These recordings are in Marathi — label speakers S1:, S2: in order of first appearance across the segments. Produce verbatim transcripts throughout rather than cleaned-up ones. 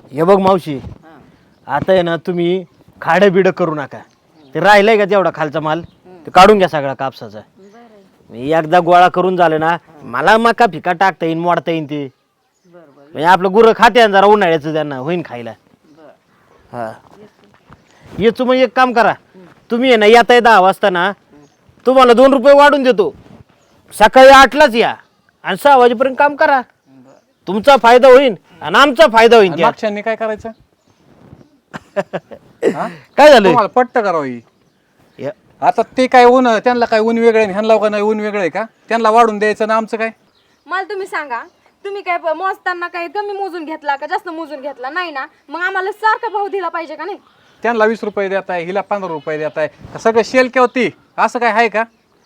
S1: हे बघ मावशी, आता आहे ना तुम्ही खाडं बिडं करू नका. ते राहिलंय का तेवढा खालचा माल ते काढून घ्या सगळा कापसाचा. मी एकदा गोळा करून झालं ना, मला मका फिका टाकता येईन, मोडता येईन ते. म्हणजे आपलं गुरं खाते जरा उन्हाळ्याचं, त्यांना होईन खायला. हा येतो. मग एक काम करा, तुम्ही आहे ना येताय दहा वाजता ना, तुम्हाला दोन रुपये वाढून देतो. सकाळी आठलाच या आणि सहा वाजेपर्यंत काम करा. तुमचा फायदा होईल आणि आमचा फायदा होईल.
S2: मागच्यांनी काय करायचं?
S1: काय झालं
S2: तुम्हाला पट्ट करावी. आता ते काय ऊन, त्यांना काय ऊन वेगळे, ह्यांना का नाही ऊन वेगळे का? त्यांना वाढून द्यायचं ना, आमचं काय?
S3: मला तुम्ही सांगा, तुम्ही काय मोजताना काय कमी मोजून घेतला का जास्त मोजून घेतला? नाही ना, मग आम्हाला सारखा भाव दिला पाहिजे का नाही?
S2: त्यांना वीस रुपये देत आहे, हिला पंधरा रुपये देत आहे, सगळं शेल केव्हा ती असं काय आहे का?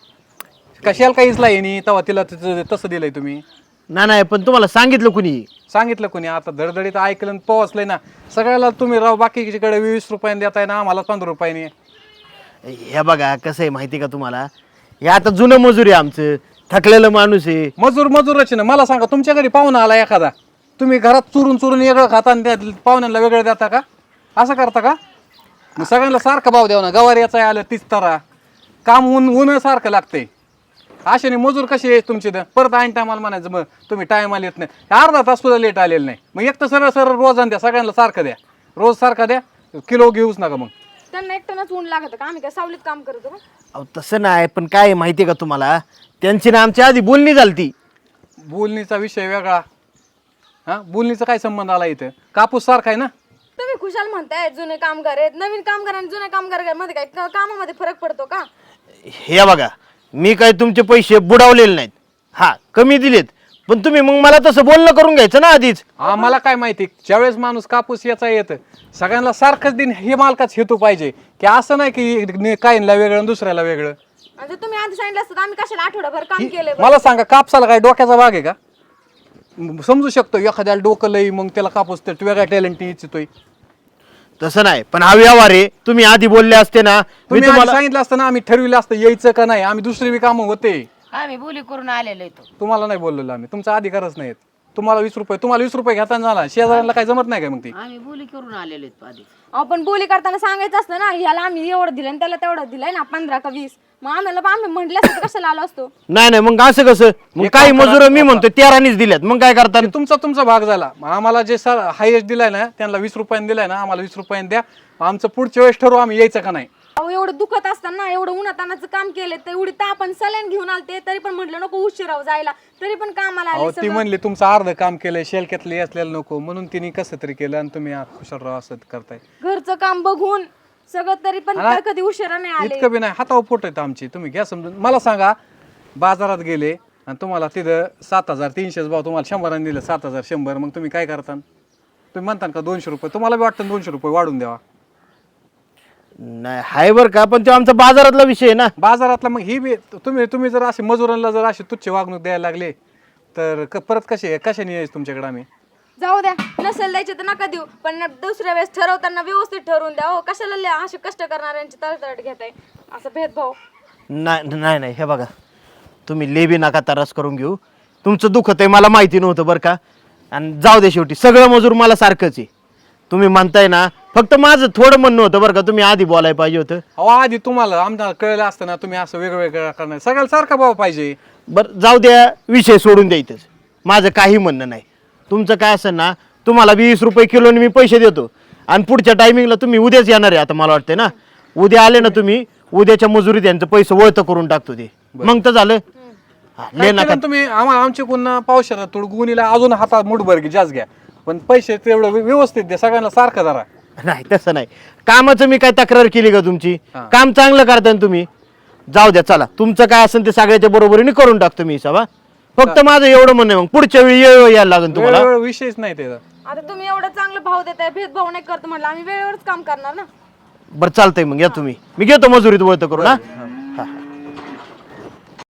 S2: का शेल काहीच नाही तेव्हा तिला तसं दिलंय तुम्ही?
S1: ना नाही, पण तुम्हाला सांगितलं कुणी?
S2: सांगितलं कोणी? आता धडधडीत ऐकलं पोहोचलंय ना सगळ्याला. तुम्ही राव बाकीकडे वीस रुपयाने देताय ना, आम्हाला पंधरा रुपयाने.
S1: हे बघा कसं आहे माहिती का तुम्हाला, हे आता जुनं मजूर आहे आमचं, थकलेलं माणूस आहे.
S2: मजूर मजूरच ना. मला सांगा, तुमच्या घरी पाहुणा आला एखादा, तुम्ही घरात चुरून चुरून वेगळं खाता आणि त्या पाहुण्यांना वेगळं देता का? असं करता का? मग सगळ्यांना सारखं भाव द्यावं ना. गवार याचा आलं तीच तरा, काम ऊन ऊन सारखं लागतंय. अशाने मजूर कशी आहे तुमची? परत ऐन टायमाला म्हणायचं मग तुम्ही टायमाला येत नाही, अर्धा तास सुद्धा लेट आलेलं नाही. मग एक तर सरळ सरळ रोज द्या, सगळ्यांना सारखं द्या, रोज सारखं द्या, किलो घेऊच नका. मग
S3: त्यांना एकट्यानंच ऊन लागत का? आम्ही काय सावलीत काम करतो का?
S1: अहो तसं नाही, पण काय आहे माहिती का तुम्हाला, त्यांची ना आमच्या आधी बोलणी झालती.
S2: बोलणीचा विषय वेगळा. हा, बोलणीचा काय संबंध आला इथं? कापूस सारखा आहे ना.
S3: तुम्ही खुशाल म्हणताय जुने कामगार आहेत, नवीन कामगार आणि जुने कामगार मध्ये काय क- कामामध्ये फरक पडतो का?
S1: हे बघा, मी काय तुमचे पैसे बुडवलेले नाहीत, हा कमी दिलेत, पण तुम्ही मग मला तसं बोलणं करून घ्यायचं ना आधीच.
S2: आम्हाला काय माहिती, ज्यावेळेस माणूस कापूस याचा येतं सगळ्यांना सारखंच दिन हे मालकाच हेतू पाहिजे की असं नाही की काहींना वेगळं आणि दुसऱ्याला वेगळं.
S3: म्हणजे तुम्ही आधी सांगितलं असतं तर आम्ही कशाला आठवडाभर काम केले?
S2: मला सांगा, कापसाला काय डोक्याचा भाग आहे का? समजू शकतो एखाद्याला डोकं लई, मग त्याला कापूस तर वेगळ्या टॅलेंट इच्छितोय.
S1: तसं नाही, पण हा व्यवहार आहे, तुम्ही आधी बोलले असते ना, मी
S2: तुम्ही आधी
S1: तुम्हाला
S2: सांगितलं असतं ना, आम्ही ठरविलं असतं यायचं का नाही. आम्ही दुसरी बी कामं होते,
S4: आम्ही बोली करून आलेलो येतो.
S2: तुम्हाला नाही बोललेलो आम्ही. तुमचा अधिकारच नाही. तुम्हाला वीस रुपये तुम्हाला वीस रुपये घेताना झाला, शेजाऱ्यांना काय जमत नाही का? मग ती
S4: आम्ही बोली करून आलेलो येतो आधी.
S3: आपण बोली करताना सांगायचं असतं ना, ह्याला आम्ही एवढं दिलं आणि त्याला तेवढं दिलंय ना, पंधरा का वीस. मग आम्हाला आम्ही म्हटलं असतं कशाला आलो असतो?
S1: नाही नाही, मग असं कसं? मग काही मजूर मी म्हणतो तेरानीच दिल्यात, मग काय करता?
S2: ते तुमचा तुमचा भाग झाला. मग आम्हाला जे सर हायेस्ट दिलाय ना, त्यांना वीस रुपयाने दिलाय ना, आम्हाला वीस रुपयाने द्या. आमचं पुढच्या वेळेस ठरवू आम्ही यायचं का नाही.
S3: अहो एवढं दुखत असताना, एवढं उन्हातानाचं काम केलं, तर एवढी तापण सलाईन घेऊन आलते, तरी पण म्हटलं नको उशिराव जायला, तरी पण कामाला
S2: अहो
S3: आले.
S2: ती म्हणली तुमचं अर्ध काम केलंय, शेलक्यातले असलेलं नको, म्हणून तिने कसं तरी केलं आणि तुम्ही खुशाल राव असं करताय.
S3: घरचं काम बघून सगळं, तरी पण
S2: हा?
S3: कधी उशिरा नाही आले.
S2: इतकं बी नाही, हातावर पोट आहेत आमची. तुम्ही घ्या समजून. मला सांगा, बाजारात गेले आणि तुम्हाला तिथं सात हजार तीनशेच भाव तुम्हाला शंभराने दिलं, सात हजार शंभर, मग तुम्ही काय करता? तुम्ही म्हणता का दोनशे रुपये? तुम्हाला बी वाटतं दोनशे रुपये वाढून द्यावा?
S1: नाही हाय बर का, पण तो आमचा बाजारातला विषय आहे ना.
S2: बाजारातला मग ही बी तुम्ही तुम्ही जर असे मजुरांना जर अशी तुच्छ वागणूक द्यायला लागले तर क- परत कसे कशाने यायचं तुमच्याकडे आम्ही?
S3: जाऊ द्या, नसेल द्यायचे तर नका देऊ, पण दुसऱ्या वेळेस ठरवताना व्यवस्थित ठरवून द्या. हो, कशाला लय असे कष्ट करणाऱ्यांची तळतळ घेताय असं भेदभाव?
S1: नाही नाही नाही, हे बघा, तुम्ही लेबी नका त्रास करून घेऊ. तुमचं दुखत आहे मला माहिती नव्हतं बरं का. आणि जाऊ दे, शेवटी सगळं मजूर मला सारखंच आहे. तुम्ही म्हणताय ना, फक्त माझं थोडं म्हणणं होतं बरं का, तुम्ही आधी बोलायला पाहिजे होतं.
S2: अहो आधी तुम्हाला आमच्या कळलं असतं ना, तुम्ही असं वेगवेगळं करणार, सगळ्याला सारखा भाव पाहिजे.
S1: बरं जाऊ द्या, विषय सोडून द्यायचंच, माझं काही म्हणणं नाही. तुमचं काय असेल ना, तुम्हाला वीस रुपये किलोने मी पैसे देतो आणि पुढच्या टायमिंगला तुम्ही उद्याच येणार आहे. आता मला वाटतंय ना, उद्या आले ना तुम्ही, उद्याच्या मजुरीत यांचं पैसे वळतं करून टाकतो ते, मग तर झालं. हा,
S2: काय
S1: ले नका.
S2: केलं तुम्ही आम्हाला आमच्या कोण पावसाला थोडं गुणीला अजून हातात मुठभर घे, जास्त घ्या, पण पैसे तेवढं व्य- व्यवस्थित द्या सगळ्यांना सारखं जरा.
S1: नाही तसं नाही, कामाचं मी काय तक्रार केली का तुमची?
S2: हा.
S1: काम चांगलं करताय ना तुम्ही. जाऊ द्या, चला तुमचं काय असेल ते सगळ्याच्या बरोबरीने करून टाकतो मी हिसाब. हा. फक्त माझं एवढं म्हणणं आहे, मग पुढच्या वेळी येळ यायला लागेल तुम्हाला.
S2: वेळ वेळ विषयच नाही त्याचा.
S3: आता तुम्ही एवढं चांगलं भाव देताय, भेदभाव नाही करतो म्हटलं, आम्ही वेळेवरच काम करणार ना.
S1: बरं चालतंय, मग या तुम्ही, मी घेतो मजुरीत वळतं करून. हा